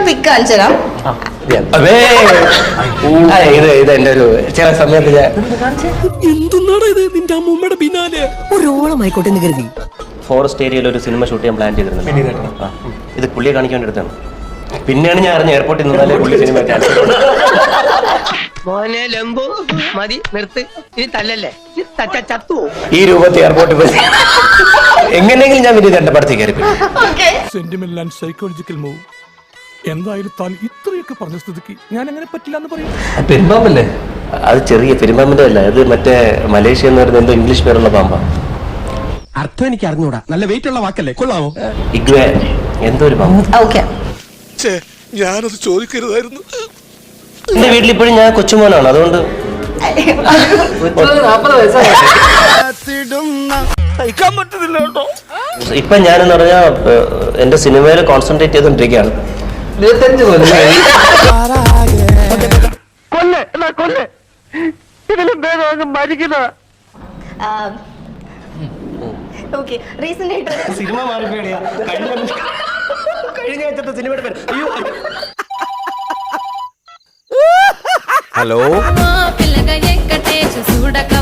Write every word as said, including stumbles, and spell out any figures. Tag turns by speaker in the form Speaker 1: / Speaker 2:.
Speaker 1: പിക്ക് കാണിച്ചു തരാം.
Speaker 2: ഇത് ഇത് എന്റെ ഒരു ചില സമയത്ത് ഞാൻ
Speaker 3: എന്തുന്നാണ് ഇത് നിന്റെ അമ്മൂമ്മയുടെ പിന്നാലെ ഒരോളമായിക്കോട്ടെ എന്ന് കരുതി.
Speaker 2: ഫോറസ്റ്റ് ഏരിയയിൽ ഒരു സിനിമ ഷൂട്ട് ചെയ്യാൻ പ്ലാൻ ചെയ്തിരുന്നു. ഇത് പുള്ളിയെ കാണിക്കാൻ വേണ്ടി എടുത്താണ്. പിന്നെയാണ് ഞാൻ അറിഞ്ഞ എയർപോർട്ടിൽ നിന്നാലേ പുള്ളി സിനിമ
Speaker 4: മോനെ ലംബു മതി നിർത്ത്. ഇത് തല്ലല്ലേ ചത്തു.
Speaker 2: ഈ രൂപത്തിൽ എയർപോർട്ടിൽ പോയി എങ്ങനെയെങ്കിലും ഞാൻ വിനീത് എന്റെ പടത്തിൽ കയറി.
Speaker 3: Sentimental and psychological move. എന്തായാലും താൻ ഇത്രയൊക്കെ പറഞ്ഞ സ്ഥിതിക്ക് ഞാൻ അങ്ങനെ പറ്റില്ല എന്ന് പറയും.
Speaker 2: പെരുമ്പാമ്പല്ലേ? അത് ചെറിയ പെരുമ്പാമ്പിന്റെ അല്ല, അത് മറ്റേ മലേഷ്യ എന്ന് പറയുന്നത് എന്തോ ഇംഗ്ലീഷ് പേരുള്ള പാമ്പാ.
Speaker 5: അർത്ഥം എനിക്ക് അറിഞ്ഞൂടാ. നല്ല വെയിറ്റ് ഉള്ള വാക്കല്ലേ, കൊള്ളാമോ?
Speaker 2: ഇഗ്വേ എന്തോ ഒരു പാമ്പ്.
Speaker 3: ഞാനത് ചോദിക്കരുതായിരുന്നു.
Speaker 2: എന്റെ വീട്ടിൽ ഇപ്പോഴും ഞാൻ കൊച്ചുമോനാണ്, അതുകൊണ്ട് ഇപ്പൊ ഞാനെന്ന് പറഞ്ഞാ എന്റെ സിനിമയിൽ കോൺസെൻട്രേറ്റ് ചെയ്തോണ്ടിരിക്കുകയാണ്. ഇരുപത്തഞ്ച് കൊല്ലം സിനിമ മാറിപ്പോയാ കഴിഞ്ഞ ആഴ്ചത്തെ സിനിമയുടെ പേര്.
Speaker 5: ഹലോ.